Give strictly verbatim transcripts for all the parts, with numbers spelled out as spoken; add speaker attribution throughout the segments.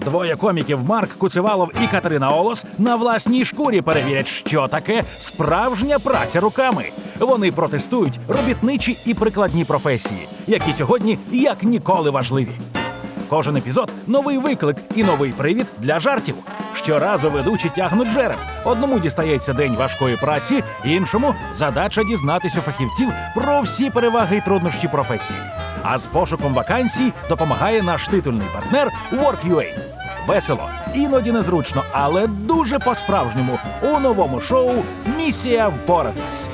Speaker 1: Двоє коміків Марк Куцевалов і Катерина Олос на власній шкурі перевірять, що таке справжня праця руками. Вони протестують робітничі і прикладні професії, які сьогодні як ніколи важливі. Кожен епізод – новий виклик і новий привід для жартів. Щоразу ведучі тягнуть жереб. Одному дістається день важкої праці, іншому – задача дізнатись у фахівців про всі переваги і труднощі професії. А з пошуком вакансій допомагає наш титульний партнер Work.ua. Весело, іноді незручно, але дуже по-справжньому у новому шоу «Місія впоратись».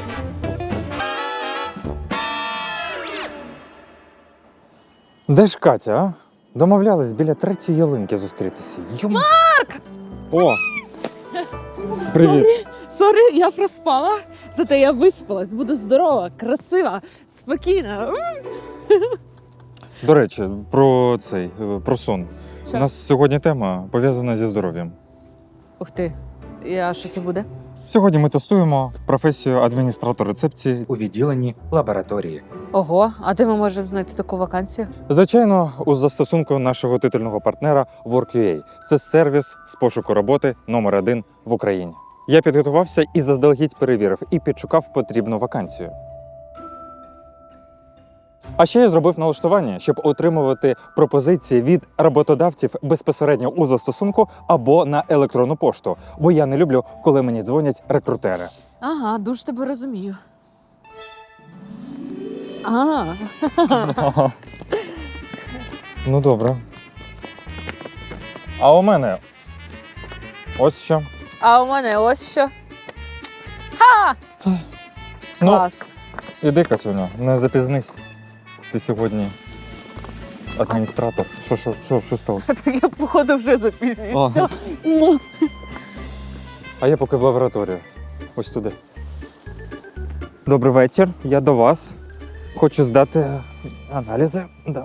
Speaker 2: Де ж Катя, а? Домовлялись біля третьої ялинки зустрітися. Йом...
Speaker 3: Марк!
Speaker 2: О! Привіт!
Speaker 3: Сорі, я проспала. Зате я виспалась, буду здорова, красива, спокійна.
Speaker 2: До речі, про цей, про сон.
Speaker 3: Що?
Speaker 2: У нас сьогодні тема пов'язана зі здоров'ям.
Speaker 3: Ух ти, а що це буде?
Speaker 2: Сьогодні ми тестуємо професію адміністратор рецепції.
Speaker 4: у відділенні лабораторії.
Speaker 3: Ого, а де ми можемо знайти таку вакансію?
Speaker 2: Звичайно, у застосунку нашого титульного партнера Work.ua. Це сервіс з пошуку роботи номер один в Україні. Я підготувався і заздалегідь перевірив, і підшукав потрібну вакансію. А ще я зробив налаштування, щоб отримувати пропозиції від роботодавців безпосередньо у застосунку або на електронну пошту, бо я не люблю, коли мені дзвонять рекрутери.
Speaker 3: Ага, дуже тебе розумію. А,
Speaker 2: Ну добре. А у мене ось що.
Speaker 3: а у мене ось що. Ха! Клас.
Speaker 2: Ну, іди, Катюня, не запізнись. Ти сьогодні адміністратор. Що, що, що, що сталося?
Speaker 3: Так я, походу, вже запізнююся.
Speaker 2: Ага. А я поки в лабораторію. Ось туди. Добрий вечір, я до вас. Хочу здати аналізи. Да.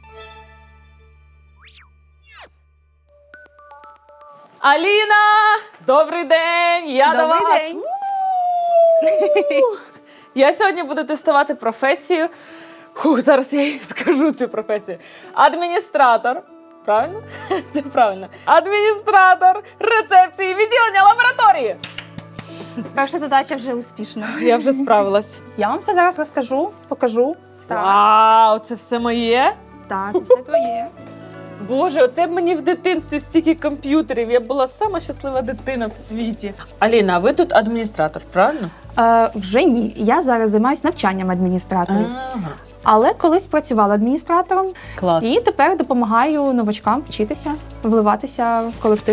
Speaker 3: Аліна! Добрий день! Я до
Speaker 5: Добрий
Speaker 3: вас!
Speaker 5: день.
Speaker 3: У-у-у! Я сьогодні буду тестувати професію. Хух, зараз я їй скажу цю професію. Адміністратор. Правильно? Це правильно. Адміністратор рецепції відділення лабораторії.
Speaker 5: Перша задача вже успішна.
Speaker 3: Я вже справилась.
Speaker 5: Я вам все зараз розкажу, покажу. Так,
Speaker 3: Вау, це все моє?
Speaker 5: так, це все твоє.
Speaker 3: Боже, оце б мені в дитинстві стільки комп'ютерів. Я була сама щаслива дитина в світі. Аліна, а ви тут адміністратор, правильно?
Speaker 5: Е, вже ні. Я зараз займаюся навчанням адміністраторів.
Speaker 3: Ага.
Speaker 5: Але колись працювала адміністратором
Speaker 3: Клас.
Speaker 5: і тепер допомагаю новачкам вчитися, вливатися в колектив.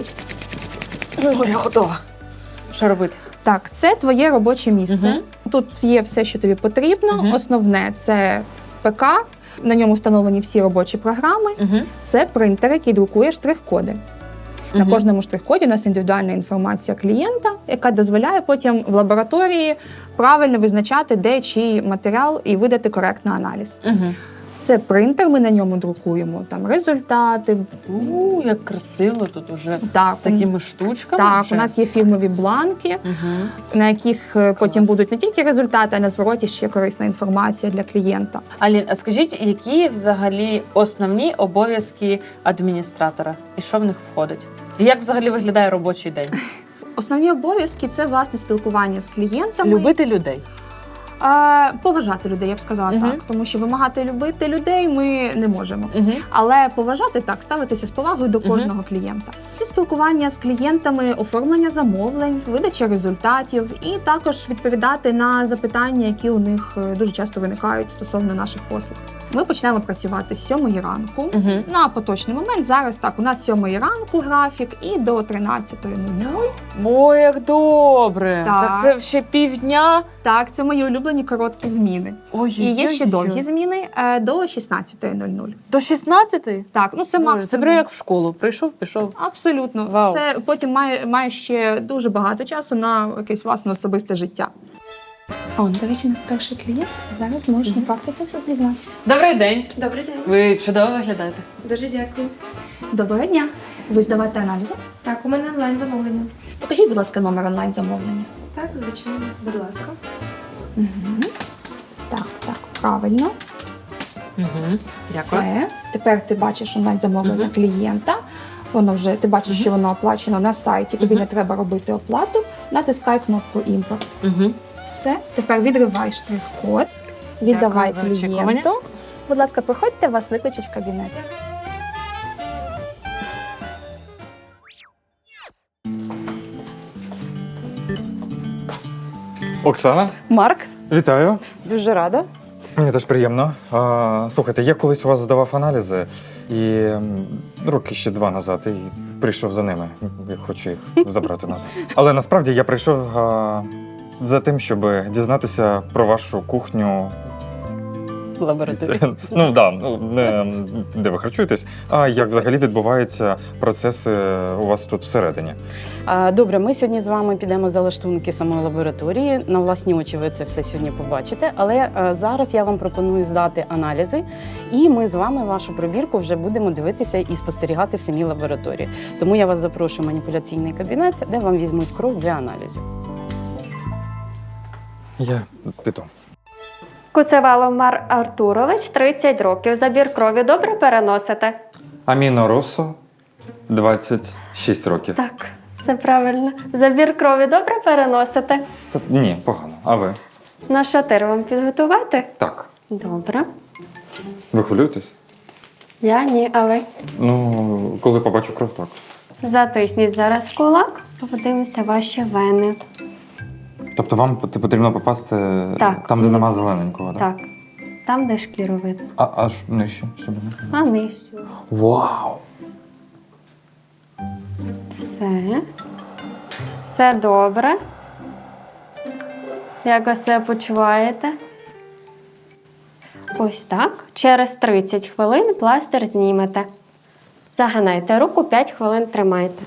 Speaker 3: О, я готова. Що робити?
Speaker 5: Так, це твоє робоче місце.
Speaker 3: Мгм.
Speaker 5: Тут є все, що тобі потрібно.
Speaker 3: Мгм.
Speaker 5: Основне це ПК. На ньому встановлені всі робочі програми.
Speaker 3: Угу.
Speaker 5: Це принтер, який друкує штрих-коди. На
Speaker 3: Мгм.
Speaker 5: кожному штрих-коді у нас індивідуальна інформація клієнта, яка дозволяє потім в лабораторії правильно визначати, де чий матеріал, і видати коректний аналіз.
Speaker 3: Угу.
Speaker 5: Це принтер, ми на ньому друкуємо там результати.
Speaker 3: У, як красиво тут уже
Speaker 5: Так,
Speaker 3: з такими штучками.
Speaker 5: Так,
Speaker 3: вже.
Speaker 5: у нас є фірмові бланки,
Speaker 3: Угу.
Speaker 5: на яких е, потім будуть не тільки результати, а на звороті ще корисна інформація для клієнта.
Speaker 3: Алін, а скажіть, які взагалі основні обов'язки адміністратора? І що в них входить? І як взагалі виглядає робочий день?
Speaker 5: Основні обов'язки це власне спілкування з клієнтами.
Speaker 3: Любити людей.
Speaker 5: А, поважати людей, я б сказала
Speaker 3: Мгм.
Speaker 5: так, тому що вимагати любити людей ми не можемо.
Speaker 3: Угу.
Speaker 5: Але поважати так, ставитися з повагою до кожного клієнта. Це спілкування з клієнтами, оформлення замовлень, видача результатів і також відповідати на запитання, які у них е, дуже часто виникають стосовно наших послуг. Ми почнемо працювати з сьомої ранку.
Speaker 3: Угу.
Speaker 5: На поточний момент зараз так, у нас з сьомої ранку графік і до тринадцятої нуль.
Speaker 3: Ой, як добре!
Speaker 5: Так.
Speaker 3: Так це ще півдня.
Speaker 5: Так, це мої улюблені короткі зміни.
Speaker 3: Ой,
Speaker 5: І є ще довгі зміни е, до шістнадцятої нуль.
Speaker 3: До шістнадцятої?
Speaker 5: Так, ну це
Speaker 3: Боже,
Speaker 5: максимум.
Speaker 3: це прям як в школу. Прийшов, пішов.
Speaker 5: Абсолютно.
Speaker 3: Вау.
Speaker 5: Це потім має, має ще дуже багато часу на якесь власне особисте життя. О, до речі, у нас перший клієнт. Зараз можеш на практиці все дізнатися.
Speaker 3: Добрий день.
Speaker 5: Добрий день.
Speaker 3: Ви чудово виглядаєте.
Speaker 6: Дуже дякую.
Speaker 5: Доброго дня. Ви здавати аналізи?
Speaker 6: Так, у мене онлайн замовлення.
Speaker 5: Покажіть, будь ласка, номер онлайн-замовлення.
Speaker 6: Так, звичайно, будь ласка.
Speaker 5: Угу. Так, так, правильно.
Speaker 3: Угу. Дякую.
Speaker 5: Все. Тепер ти бачиш онлайн-замовлення
Speaker 3: Мгм.
Speaker 5: клієнта. Воно вже ти бачиш, що воно оплачено на сайті. Тобі
Speaker 3: Мгм.
Speaker 5: не треба робити оплату. Натискай кнопку імпорт.
Speaker 3: Угу.
Speaker 5: Все, тепер відривай штрих-код, віддавай
Speaker 3: Дякую за очікування.
Speaker 5: клієнту. Будь ласка, проходьте, вас викличуть в кабінет.
Speaker 2: Оксана,
Speaker 7: Марк,
Speaker 2: вітаю.
Speaker 7: дуже рада.
Speaker 2: Мені теж приємно. А, слухайте, я колись у вас здавав аналізи і м, роки ще два назад і прийшов за ними. Я хочу їх забрати назад. Але насправді я прийшов а, за тим, щоб дізнатися про вашу кухню.
Speaker 7: Лабораторія.
Speaker 2: Ну да, ну не де ви харчуєтесь, а як взагалі відбуваються процеси у вас тут всередині.
Speaker 7: А, Добре, ми сьогодні з вами підемо за лаштунки самої лабораторії. На власні очі ви це все сьогодні побачите. Але а, зараз я вам пропоную здати аналізи, і ми з вами вашу пробірку вже будемо дивитися і спостерігати в самій лабораторії. Тому я вас запрошую в маніпуляційний кабінет, де вам візьмуть кров для аналізів.
Speaker 2: Я піду.
Speaker 8: Куцевалов Мар Артурович, тридцять років. Забір крові добре переносите?
Speaker 2: Аміно Росо, двадцять шість років.
Speaker 8: Так, це правильно. Забір крові добре переносите?
Speaker 2: Та, ні, погано. А ви?
Speaker 8: На шатир вам підготувати?
Speaker 2: Так.
Speaker 8: Добре.
Speaker 2: Ви хвилюєтесь?
Speaker 8: Я ні, а ви?
Speaker 2: Ну, коли побачу кров, так.
Speaker 8: Затисніть зараз кулак, подивимося ваші вени.
Speaker 2: Тобто вам пот- потрібно попасти
Speaker 8: Так.
Speaker 2: там, де нема зелененького, так?
Speaker 8: Так. Там, де шкіру видно.
Speaker 2: А аж нижче сюди.
Speaker 8: А нижче.
Speaker 2: Вау!
Speaker 8: Все. Все добре. Як ви себе почуваєте? Ось так. Через тридцять хвилин пластир знімете. Загинайте руку, п'ять хвилин тримайте.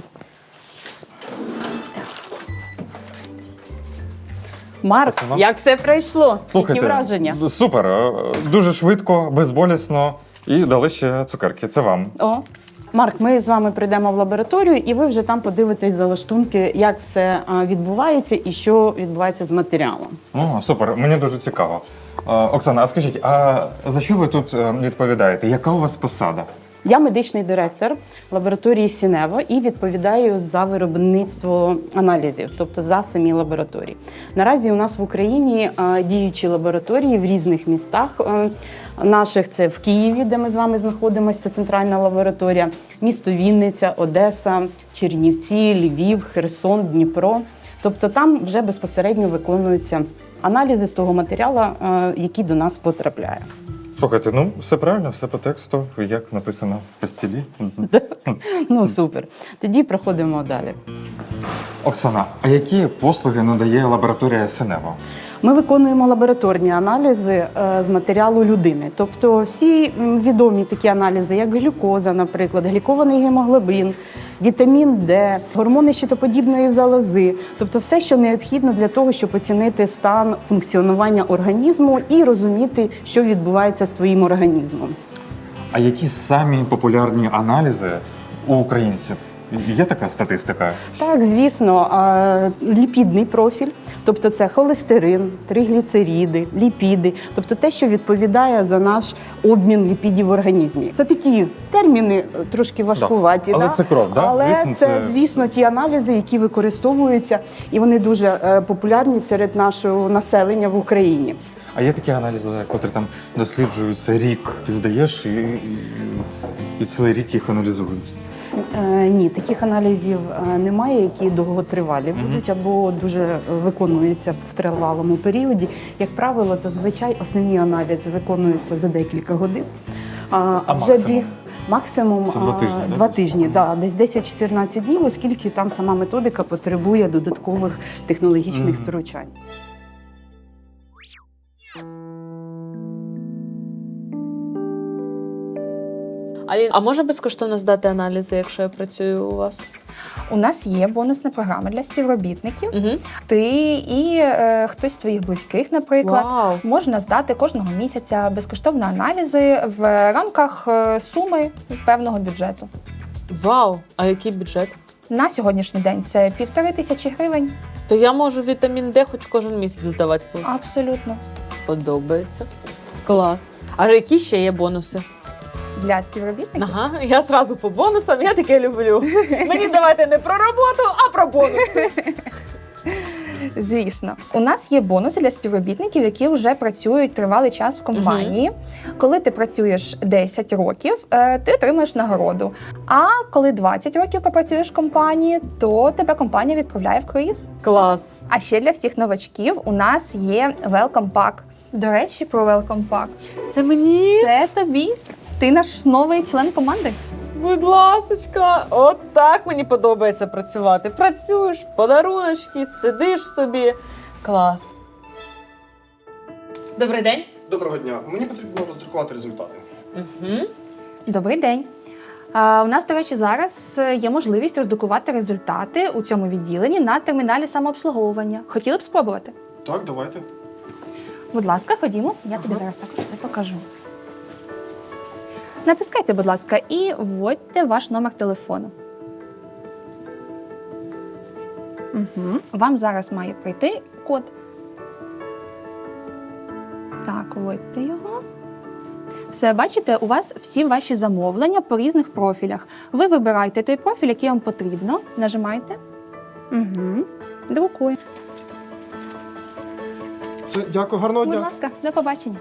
Speaker 7: Марк,
Speaker 2: Це вам?
Speaker 7: як все пройшло?
Speaker 2: Слухайте,
Speaker 7: Які враження?
Speaker 2: супер, е, дуже швидко, безболісно і дали ще цукерки. Це вам.
Speaker 7: О, Марк, ми з вами прийдемо в лабораторію, і ви вже там подивитесь за лаштунки, як все а, відбувається і що відбувається з матеріалом.
Speaker 2: О, супер, мені дуже цікаво. Е, Оксана, а скажіть, а за що ви тут е, відповідаєте? Яка у вас посада?
Speaker 7: Я медичний директор лабораторії Сінево і відповідаю за виробництво аналізів, тобто за самі лабораторії. Наразі у нас в Україні е, діючі лабораторії в різних містах. Е, Наших це в Києві, де ми з вами знаходимося, це центральна лабораторія, місто Вінниця, Одеса, Чернівці, Львів, Херсон, Дніпро. Тобто там вже безпосередньо виконуються аналізи з того матеріалу, е, який до нас потрапляє.
Speaker 2: Слухайте, ну все правильно, все по тексту, як написано в постілі.
Speaker 7: Ну супер. Тоді проходимо далі.
Speaker 2: Оксана, а які послуги надає лабораторія Синево?
Speaker 7: Ми виконуємо лабораторні аналізи е, з матеріалу людини. Тобто всі м, відомі такі аналізи, як глюкоза, наприклад, глікований гемоглобін, вітамін Д, гормони щитоподібної залози. Тобто все, що необхідно для того, щоб оцінити стан функціонування організму і розуміти, що відбувається з твоїм організмом.
Speaker 2: А які самі популярні аналізи у українців? Є така статистика?
Speaker 7: Так, звісно, а, ліпідний профіль, тобто це холестерин, тригліцериди, ліпіди, тобто те, що відповідає за наш обмін ліпідів в організмі. Це такі терміни трошки важкуваті,
Speaker 2: Але
Speaker 7: да?
Speaker 2: це кров, да?
Speaker 7: Але
Speaker 2: Звісно,
Speaker 7: це,
Speaker 2: це-
Speaker 7: звісно, ті аналізи, які використовуються, і вони дуже е, популярні серед нашого населення в Україні.
Speaker 2: А є такі аналізи, котрі там досліджуються рік. Ти здаєш і, і, і цілий рік їх аналізують.
Speaker 7: Е, ні, таких аналізів е, немає, які довготривалі будуть або дуже е, виконуються в тривалому періоді. Як правило, зазвичай основні аналізи виконуються за декілька годин. А,
Speaker 2: А
Speaker 7: вже
Speaker 2: максимум?
Speaker 7: бі- максимум
Speaker 2: Це два
Speaker 7: а,
Speaker 2: тижні, да?
Speaker 7: два тижні, да, десь десять-чотирнадцять днів, оскільки там сама методика потребує додаткових технологічних
Speaker 2: Мгм.
Speaker 7: втручань.
Speaker 3: Алін, а можна безкоштовно здати аналізи, якщо я працюю у вас?
Speaker 5: У нас є бонусна програма для співробітників.
Speaker 3: Угу.
Speaker 5: Ти і е, хтось з твоїх близьких, наприклад,
Speaker 3: Вау.
Speaker 5: можна здати кожного місяця безкоштовно аналізи в рамках е, суми певного бюджету.
Speaker 3: Вау! А який бюджет?
Speaker 5: На сьогоднішній день це півтори тисячі гривень.
Speaker 3: То я можу вітамін Д хоч кожен місяць здавати.
Speaker 5: Абсолютно.
Speaker 3: Подобається. Клас. А які ще є бонуси?
Speaker 5: для співробітників.
Speaker 3: Ага, я зразу по бонусам, я таке люблю. Мені давайте не про роботу, а про бонуси.
Speaker 5: Звісно, у нас є бонуси для співробітників, які вже працюють тривалий час в компанії. Коли ти працюєш десять років, е, ти отримаєш нагороду. А коли двадцять років попрацюєш в компанії, то тебе компанія відправляє в круїз.
Speaker 3: Клас.
Speaker 5: А ще для всіх новачків у нас є Welcome Pack. До речі, про Welcome Pack.
Speaker 3: Це мені?
Speaker 5: Це тобі. Ти наш новий член команди.
Speaker 3: Будь ласочка, от так мені подобається працювати. Працюєш, подаруночки, сидиш собі. Клас. Добрий день.
Speaker 9: Доброго дня. Мені потрібно роздрукувати результати.
Speaker 3: Угу.
Speaker 5: Добрий день. А, у нас, до речі, зараз є можливість роздрукувати результати у цьому відділенні на терміналі самообслуговування. Хотіли б спробувати?
Speaker 9: Так, давайте.
Speaker 5: Будь ласка, ходімо. Я тобі зараз так все покажу. Натискайте, будь ласка, і вводьте ваш номер телефону. Угу. Вам зараз має прийти код. Так, вводьте його. Все, бачите, у вас всі ваші замовлення по різних профілях. Ви вибираєте той профіль, який вам потрібно. Нажимаєте. Угу. Друкує.
Speaker 9: Все, дякую, гарного
Speaker 5: Будь
Speaker 9: дня.
Speaker 5: ласка, до побачення.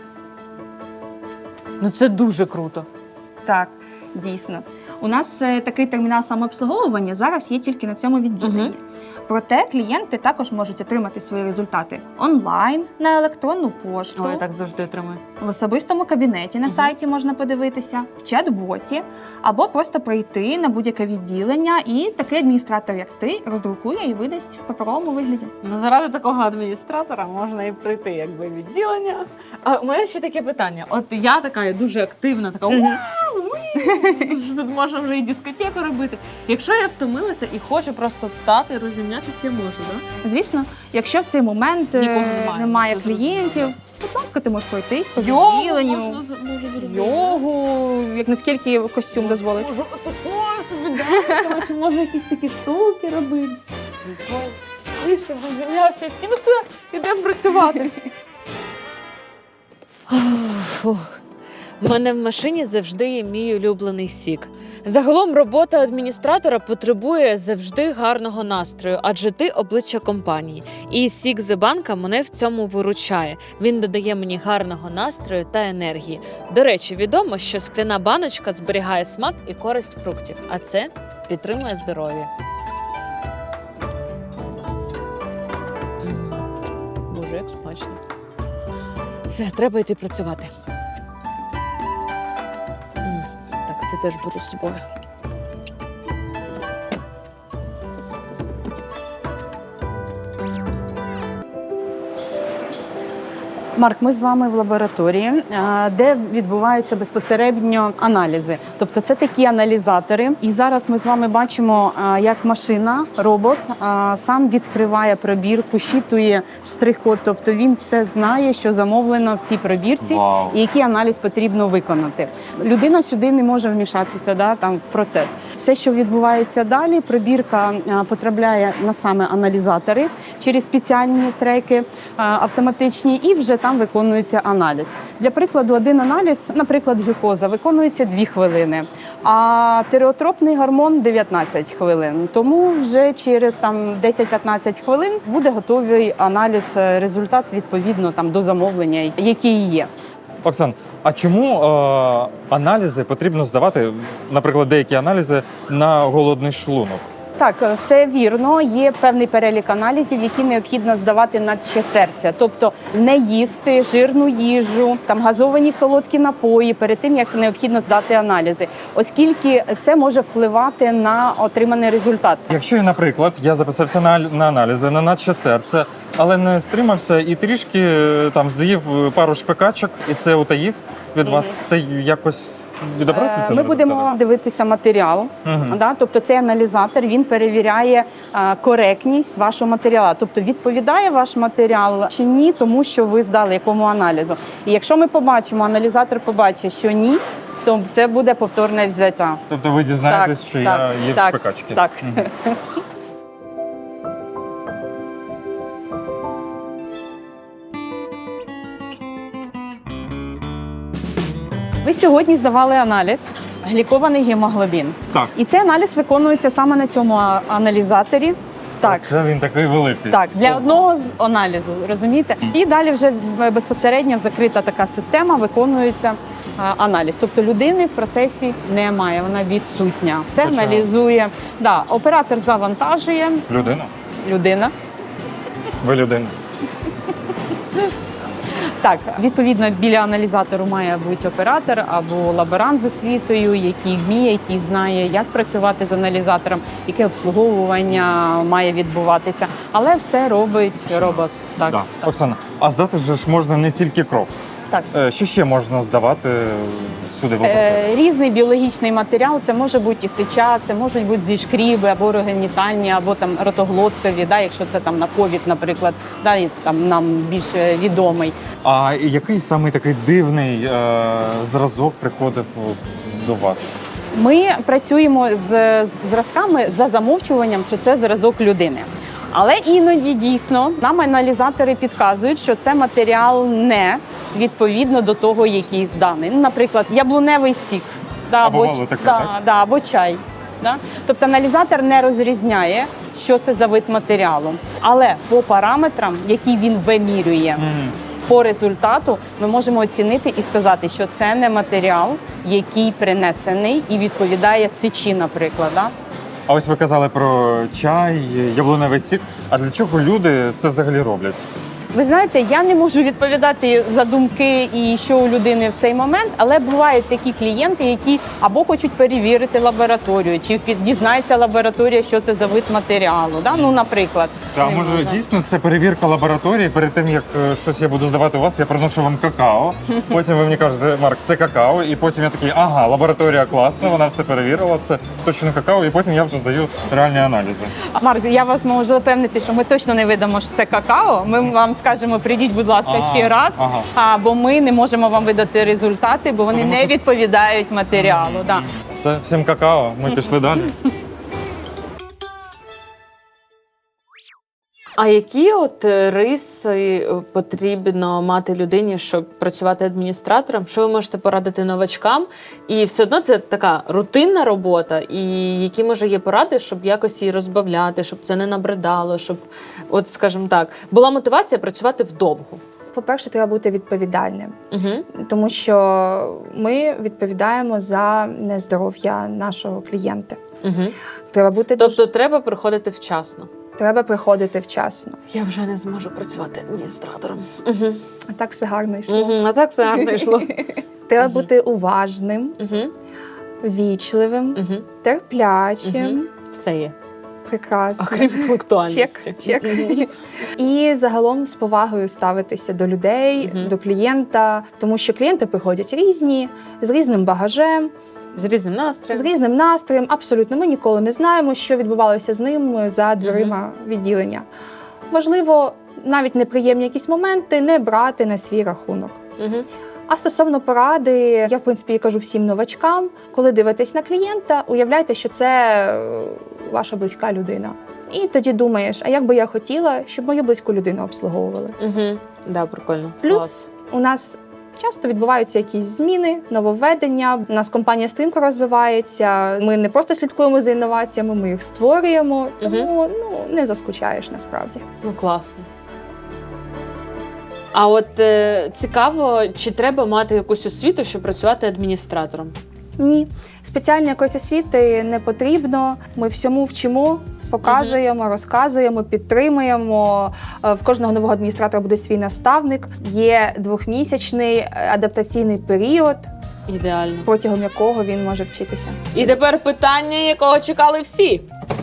Speaker 3: Ну це дуже круто.
Speaker 5: Так, дійсно. У нас е, такий термінал самообслуговування зараз є тільки на цьому відділенні.
Speaker 3: Мгм.
Speaker 5: Проте клієнти також можуть отримати свої результати онлайн, на електронну пошту,
Speaker 3: Ой, я так завжди отримую.
Speaker 5: в особистому кабінеті на сайті можна подивитися, в чат-боті, або просто прийти на будь-яке відділення, і такий адміністратор, як ти, роздрукує і видасть в паперовому вигляді.
Speaker 3: Ну, заради такого адміністратора можна і прийти, якби відділення. А у мене ще таке питання. От я така я дуже активна, така
Speaker 5: Мгм.
Speaker 3: вау, уї, тут, тут можна вже і дискотеку робити. Якщо я втомилася і хочу просто встати і розімнятися, я можу, так?
Speaker 5: Звісно, якщо в цей момент е,
Speaker 3: Нікого немає,
Speaker 5: немає
Speaker 3: це зрозуміло.
Speaker 5: клієнтів, будь ласка, ти можеш пройтись по
Speaker 3: Йогу
Speaker 5: відділенню.
Speaker 3: можна з- можу зробити.
Speaker 5: Йогу, як наскільки костюм дозволить.
Speaker 3: Можу отако собі, да, коротше, можу якісь такі штуки робити. І щоб розім'явся, і такі, ну все, ідемо працювати. Фух. У мене в машині завжди є мій улюблений сік. Загалом робота адміністратора потребує завжди гарного настрою, адже ти обличчя компанії. І сік з банка мене в цьому виручає. Він додає мені гарного настрою та енергії. До речі, відомо, що скляна баночка зберігає смак і користь фруктів, а це підтримує здоров'я. М, Боже, як смачно. Все, треба йти працювати. М, Так, це теж беру з собою.
Speaker 7: Марк, ми з вами в лабораторії, е, де відбуваються безпосередньо аналізи. Тобто це такі аналізатори. І зараз ми з вами бачимо, е, як машина, робот е, сам відкриває пробірку, щитує штрих-код. Тобто він все знає, що замовлено в цій пробірці
Speaker 2: Вау.
Speaker 7: і який аналіз потрібно виконати. Людина сюди не може вмішатися, да, там, в процес. Все, що відбувається далі, пробірка е, потрапляє на саме аналізатори через спеціальні треки е, автоматичні, і вже там виконується аналіз. Для прикладу, один аналіз, наприклад, глюкоза, виконується дві хвилини, а тиреотропний гормон дев'ятнадцять хвилин. Тому вже через там десять-п'ятнадцять хвилин буде готовий аналіз, е, результат відповідно там до замовлення, який є.
Speaker 2: Оксан, а чому е, аналізи потрібно здавати, наприклад, деякі аналізи на голодний шлунок?
Speaker 7: Так, все вірно. Є певний перелік аналізів, які необхідно здавати на ще серця. Тобто не їсти жирну їжу, там газовані солодкі напої перед тим, як необхідно здати аналізи, оскільки це може впливати на отриманий результат.
Speaker 2: Якщо, я, наприклад, я записався на, на аналізи на наче серце, але не стримався і трішки е, там з'їв пару шпикачок, і це утаїв від
Speaker 7: Мгм.
Speaker 2: вас, це якось відобразиться?
Speaker 7: Е, Ми будемо дивитися матеріал.
Speaker 2: Мгм.
Speaker 7: Да? Тобто цей аналізатор, він перевіряє е, коректність вашого матеріалу. Тобто відповідає ваш матеріал чи ні, тому що ви здали якому аналізу. І якщо ми побачимо, аналізатор побачить, що ні, то це буде повторне взяття.
Speaker 2: Тобто ви дізнаєтесь,
Speaker 7: Так,
Speaker 2: що
Speaker 7: так,
Speaker 2: я їв
Speaker 7: так,
Speaker 2: шпикачки?
Speaker 7: так.
Speaker 2: Мгм.
Speaker 7: Ви сьогодні здавали аналіз глікований гемоглобін.
Speaker 2: Так.
Speaker 7: І цей аналіз виконується саме на цьому а- аналізаторі. Так.
Speaker 2: Це він такий великий.
Speaker 7: Так, для одного з аналізу, розумієте? І далі вже безпосередньо закрита така система, виконується а, аналіз. Тобто людини в процесі немає, вона відсутня. Все
Speaker 2: Точно.
Speaker 7: аналізує. Да, оператор завантажує,
Speaker 2: Людина?
Speaker 7: людина.
Speaker 2: Ви людина.
Speaker 7: Так, відповідно, біля аналізатору має бути оператор або лаборант з освітою, який вміє, який знає, як працювати з аналізатором, яке обслуговування має відбуватися. Але все робить робот. Так,
Speaker 2: Да.
Speaker 7: так.
Speaker 2: Оксана, а здати же ж можна не тільки кров.
Speaker 7: Так.
Speaker 2: Е, Що ще можна здавати сюди в лабораторію?
Speaker 7: Е, різний біологічний матеріал, це може бути і сеча, це можуть бути зі шкріби або орогенітальні, або там ротоглоткові, да, якщо це там на ковід, наприклад, да, і там нам більш відомий.
Speaker 2: А який саме такий дивний е, зразок приходив до вас?
Speaker 7: Ми працюємо з зразками за замовчуванням, що це зразок людини. Але іноді дійсно нам аналізатори підказують, що це матеріал не відповідно до того, який зданий. Ну, наприклад, яблуневий сік, да,
Speaker 2: А бувало
Speaker 7: ч-
Speaker 2: таке,
Speaker 7: да,
Speaker 2: так?
Speaker 7: да, або чай. Да? Тобто аналізатор не розрізняє, що це за вид матеріалу. Але по параметрам, які він вимірює, по результату ми можемо оцінити і сказати, що це не матеріал, який принесений і відповідає сечі, наприклад. Да?
Speaker 2: А ось ви казали про чай, яблуневий сік. А для чого люди це взагалі роблять?
Speaker 7: Ви знаєте, я не можу відповідати за думки і що у людини в цей момент, але бувають такі клієнти, які або хочуть перевірити лабораторію, чи під- дізнається лабораторія, що це за вид матеріалу. Да? Ну, наприклад.
Speaker 2: Та
Speaker 7: не
Speaker 2: може
Speaker 7: можна.
Speaker 2: дійсно це перевірка лабораторії. Перед тим як е, щось я буду здавати у вас, я приношу вам какао. Потім ви мені кажете, Марк, це какао. І потім я такий, ага, лабораторія класна, вона все перевірила, це точно какао. І потім я вже здаю реальні аналізи.
Speaker 7: Марк, я вас можу запевнити, що ми точно не видамо, що це какао. Ми вам скажемо, прийдіть, будь ласка,
Speaker 2: Ага,
Speaker 7: ще раз,
Speaker 2: ага.
Speaker 7: а, бо ми не можемо вам видати результати, бо вони
Speaker 2: Тому
Speaker 7: не
Speaker 2: що-
Speaker 7: відповідають матеріалу. Да.
Speaker 2: Все, всім какао. Ми пішли далі.
Speaker 3: А які от е, риси е, потрібно мати людині, щоб працювати адміністратором? Що ви можете порадити новачкам? І все одно це така рутинна робота. І які може є поради, щоб якось її розбавляти, щоб це не набридало, щоб, от скажімо так, була мотивація працювати вдовго.
Speaker 10: По-перше, треба бути відповідальним,
Speaker 3: Угу.
Speaker 10: тому що ми відповідаємо за нездоров'я нашого клієнта.
Speaker 3: Угу.
Speaker 10: Треба бути дуже-
Speaker 3: Тобто треба приходити вчасно.
Speaker 10: треба приходити вчасно.
Speaker 3: Я вже не зможу працювати адміністратором. Угу.
Speaker 10: А так все гарно йшло.
Speaker 3: Угу. А так все гарно йшло.
Speaker 10: Треба
Speaker 3: Мгм.
Speaker 10: бути уважним,
Speaker 3: Угу.
Speaker 10: вічливим,
Speaker 3: Угу.
Speaker 10: терплячим.
Speaker 3: Мгм. Все є.
Speaker 10: Прекрасно.
Speaker 3: Окрім пунктуальності.
Speaker 10: Чек, чек. І загалом з повагою ставитися до людей,
Speaker 3: Мгм.
Speaker 10: до клієнта, тому що клієнти приходять різні, з різним багажем,
Speaker 3: З різним
Speaker 10: з
Speaker 3: настроєм.
Speaker 10: різним настроєм. Абсолютно, ми ніколи не знаємо, що відбувалося з ним за дверима відділення. Важливо навіть неприємні якісь моменти не брати на свій рахунок.
Speaker 3: Угу.
Speaker 10: А стосовно поради, я в принципі кажу всім новачкам, коли дивитесь на клієнта, уявляйте, що це е, ваша близька людина. І тоді думаєш, а як би я хотіла, щоб мою близьку людину обслуговували.
Speaker 3: Угу. Да, прикольно.
Speaker 10: Плюс
Speaker 3: Клас.
Speaker 10: у нас часто відбуваються якісь зміни, нововведення. У нас компанія стрімко розвивається. Ми не просто слідкуємо за інноваціями, ми їх створюємо. Тому ну не заскучаєш насправді.
Speaker 3: Ну, класно. А от е, цікаво, чи треба мати якусь освіту, щоб працювати адміністратором?
Speaker 10: Ні, спеціальної якоїсь освіти не потрібно. Ми всьому вчимо. Показуємо, розказуємо, підтримуємо. Е, В кожного нового адміністратора буде свій наставник. Є двохмісячний е, адаптаційний період,
Speaker 3: Ідеально.
Speaker 10: протягом якого він може вчитися.
Speaker 3: І тепер питання, якого чекали всі.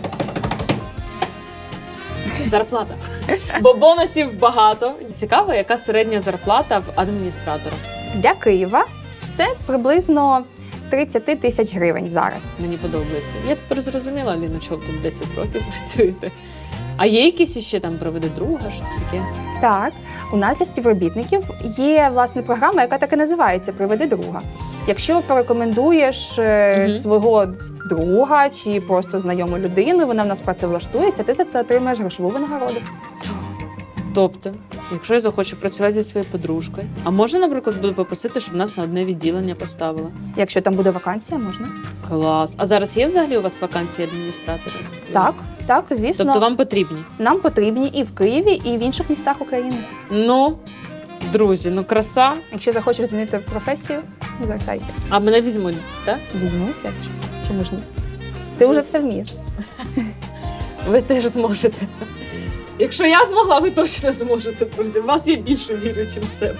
Speaker 3: Зарплата. Бо бонусів багато. Цікаво, яка середня зарплата в адміністратора.
Speaker 10: Для Києва це приблизно тридцять тисяч гривень зараз.
Speaker 3: Мені подобається. Я тепер зрозуміла, Аліна, що ви тут десять років працюєте. А є якісь іще там приведе друга, щось таке?
Speaker 10: Так, у нас для співробітників є власне програма, яка так і називається «Приведи друга». Якщо порекомендуєш е,
Speaker 3: Мгм.
Speaker 10: свого друга чи просто знайому людину, вона в нас працевлаштується, ти за це отримаєш грошову винагороду.
Speaker 3: Тобто, якщо я захочу працювати зі своєю подружкою, а можна, наприклад, буду попросити, щоб нас на одне відділення поставили?
Speaker 10: Якщо там буде вакансія, можна.
Speaker 3: Клас. А зараз є взагалі у вас вакансії адміністраторів?
Speaker 10: Так, так, звісно.
Speaker 3: Тобто вам потрібні?
Speaker 10: Нам потрібні і в Києві, і в інших містах України.
Speaker 3: Ну, друзі, ну краса.
Speaker 10: Якщо захочеш змінити професію, звертайся.
Speaker 3: А мене візьмуть, так?
Speaker 10: Візьмуть, я ж. Чому ж ні? Ти вже все вмієш.
Speaker 3: Ви теж зможете. Якщо я змогла, ви точно зможете, друзі. В вас я більше вірю, ніж в себе.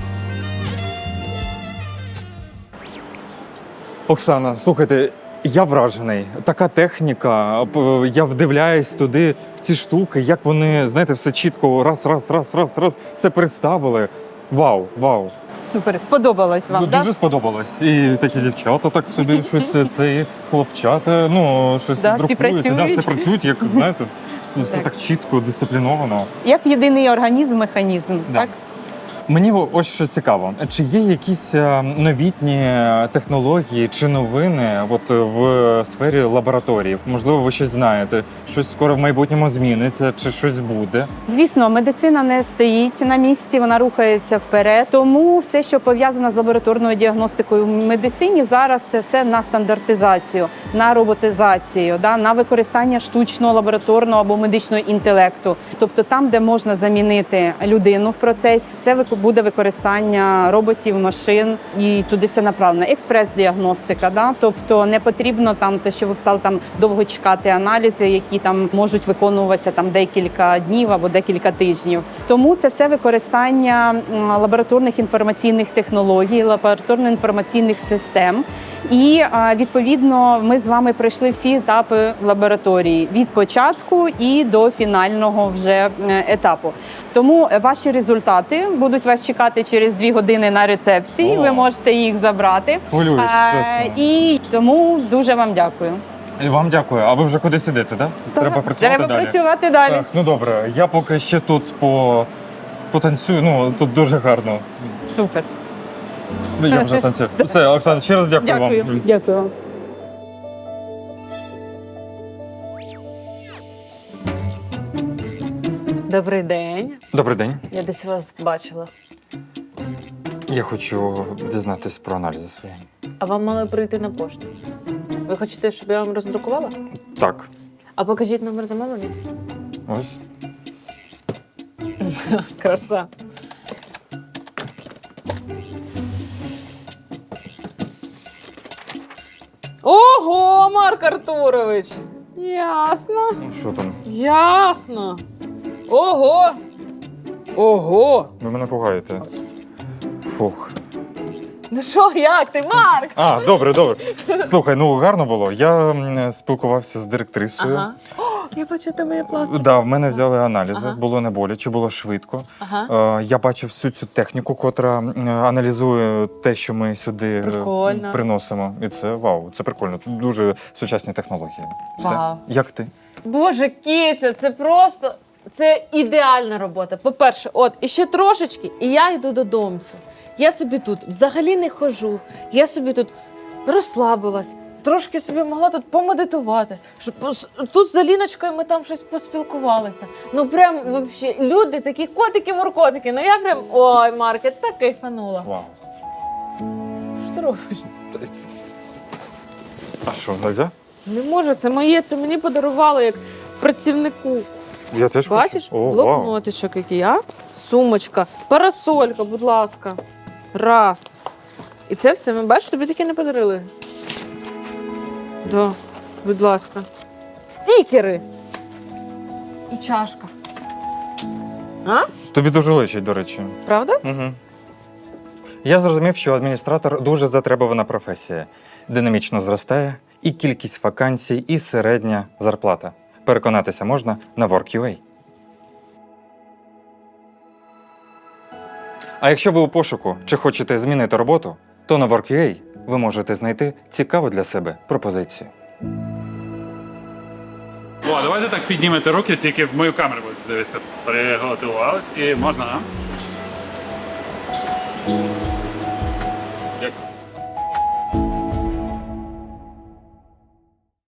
Speaker 2: Оксана, слухайте, я вражений. Така техніка. п- Я вдивляюсь туди, в ці штуки, як вони, знаєте, все чітко раз, раз, раз, раз, раз, все переставили. Вау, вау.
Speaker 7: Супер, сподобалось вам,
Speaker 2: Ну,
Speaker 7: так?
Speaker 2: дуже сподобалось. І такі дівчата так собі щось, це і хлопчата, ну, щось
Speaker 7: Да, всі
Speaker 2: друкують. Да,
Speaker 7: працюють.
Speaker 2: все працюють, як, знаєте, все, все так чітко, дисципліновано.
Speaker 7: Як єдиний організм, механізм,
Speaker 2: Да.
Speaker 7: так?
Speaker 2: Мені ось що цікаво, чи є якісь е, новітні технології чи новини от в сфері лабораторії? Можливо, ви щось знаєте, щось скоро в майбутньому зміниться, чи щось буде?
Speaker 7: Звісно, медицина не стоїть на місці, вона рухається вперед. Тому все, що пов'язано з лабораторною діагностикою в медицині, зараз це все на стандартизацію, на роботизацію, да, на використання штучного лабораторного або медичного інтелекту. Тобто там, де можна замінити людину в процесі, це вику- буде використання роботів, машин, і туди все направлено. Експрес-діагностика, да? Тобто не потрібно там те, що ви питали, там довго чекати аналізи, які там можуть виконуватися там декілька днів або декілька тижнів. Тому це все використання м, лабораторних інформаційних технологій, лабораторно-інформаційних систем. І а, відповідно ми з вами пройшли всі етапи лабораторії від початку і до фінального вже е, етапу. Тому ваші результати будуть вас чекати через дві години на рецепції.
Speaker 2: О.
Speaker 7: Ви можете їх забрати.
Speaker 2: Хвилююсь,
Speaker 7: Е,
Speaker 2: чесно.
Speaker 7: І тому дуже вам дякую.
Speaker 2: І вам дякую. А ви вже кудись ідете, так? Треба працювати
Speaker 7: Треба
Speaker 2: далі.
Speaker 7: працювати далі.
Speaker 2: Так, ну добре. Я поки ще тут по потанцюю. Ну тут дуже гарно.
Speaker 7: Супер.
Speaker 2: Ну, я вже танцюю. Все, Оксана, ще раз дякую,
Speaker 7: Дякую.
Speaker 2: вам.
Speaker 7: Дякую вам.
Speaker 3: Добрий день.
Speaker 2: Добрий день.
Speaker 3: Я десь вас бачила.
Speaker 2: Я хочу дізнатись про аналізи свої.
Speaker 3: А вам мали прийти на пошту. Ви хочете, щоб я вам роздрукувала?
Speaker 2: Так,
Speaker 3: А покажіть номер замовлення.
Speaker 2: ось.
Speaker 3: Краса. Ого, Марк Артурович! Ясно.
Speaker 2: Ну, що там?
Speaker 3: Ясно. Ого. Ого.
Speaker 2: Ви мене пугаєте. Фух.
Speaker 3: Ну що, як ти, Марк?
Speaker 2: А, добре, добре. Слухай, ну гарно було. Я м, спілкувався з директрисою.
Speaker 3: Ага. О, я бачу, тебе є пластик.
Speaker 2: Да, в мене взяли аналізи,
Speaker 3: Ага.
Speaker 2: було не боляче, було швидко.
Speaker 3: Ага.
Speaker 2: Е, я бачив всю цю техніку, котра м, аналізує те, що ми сюди е,
Speaker 3: Прикольно.
Speaker 2: приносимо. І це вау, це прикольно. Це дуже сучасні технології. Все.
Speaker 3: Вау.
Speaker 2: Як ти?
Speaker 3: Боже, Кіця, це просто це ідеальна робота. По-перше, от і ще трошечки, і я йду додомцю. Я собі тут взагалі не хожу. Я собі тут розслабилась, трошки собі могла тут помедитувати. Щоб пос- тут з Аліночкою ми там щось поспілкувалися. Ну прям вообще люди такі котики-муркотики. Ну я прям ой, Марк, я так кайфанула.
Speaker 2: Вау.
Speaker 3: Що ти робиш?
Speaker 2: А що, нельзя?
Speaker 3: Не можу, це моє, це мені подарували як працівнику.
Speaker 2: Я теж
Speaker 3: Бачиш?
Speaker 2: хочу. О, вау.
Speaker 3: Блокнотичок який, а? Сумочка, парасолька, будь ласка. Раз. І це все, ми бачиш, тобі таке не подарили. Да, будь ласка. Стікери. І чашка. А?
Speaker 2: Тобі дуже личить, до речі.
Speaker 3: Правда?
Speaker 2: Угу. Я зрозумів, що адміністратор дуже затребувана професія. Динамічно зростає і кількість вакансій, і середня зарплата. Переконатися можна на WorkUA. А якщо ви у пошуку чи хочете змінити роботу, то на WorkUA ви можете знайти цікаву для себе пропозицію.
Speaker 11: О, давайте так піднімете руки, тільки в мою камеру будете дивитися. Приготувались і можна, а?